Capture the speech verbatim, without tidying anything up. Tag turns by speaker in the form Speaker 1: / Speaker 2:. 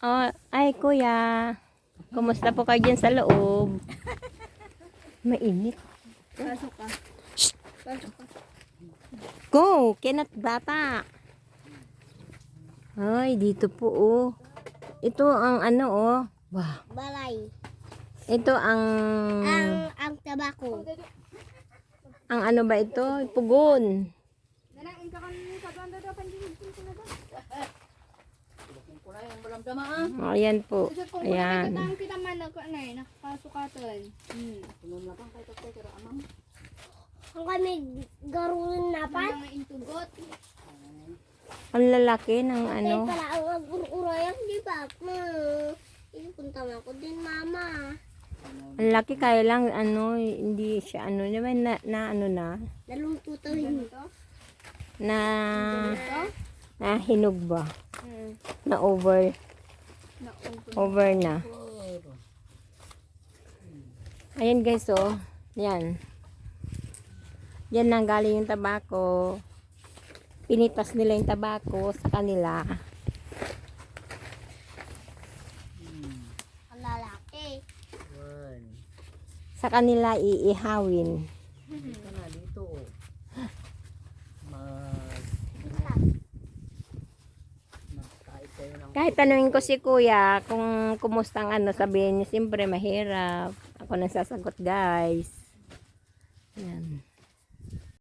Speaker 1: Oh, ay kuya. Kumusta po kayo dyan sa loob? Mainit.
Speaker 2: Pasok ka. Pasok ka.
Speaker 1: Go! Kinat bata. Ay, dito po oh. Ito ang ano oh. Wow.
Speaker 2: Balay.
Speaker 1: Ito ang...
Speaker 2: Ang, ang tabako.
Speaker 1: Ang ano ba ito? Pugon.
Speaker 2: Nanang, ka kanina sa banda daw, pandinig ko na daw.
Speaker 1: Oh, ayan po. Ayan.
Speaker 2: Ayan. Kita man ako na eh, nakapasukatan. Hmm. Ang kami garulun na pa. Ang intugot.
Speaker 1: Ang lalaki ng ano.
Speaker 2: Kaya pala ang agururayan, di ba? Hmm. Ipunta mo ako din, mama.
Speaker 1: Ang laki kaya lang ano, hindi siya ano naman na, na ano na.
Speaker 2: Naluto to yun.
Speaker 1: Na na hinog ba?
Speaker 2: Hmm.
Speaker 1: Na over. Over na. Ayan guys oh. Yan. Yan nang galing yung tabako. Pinitas nila yung tabako sa kanila.
Speaker 2: Ang lalaki.
Speaker 1: Sa kanila iihawin.
Speaker 3: Dito na, dito. Mag... Magkait kayo ng...
Speaker 1: Kahit tanungin ko si kuya kung kumusta ang ano, sabihin niya, siyempre mahirap. Ako nang sasagot guys. Yan.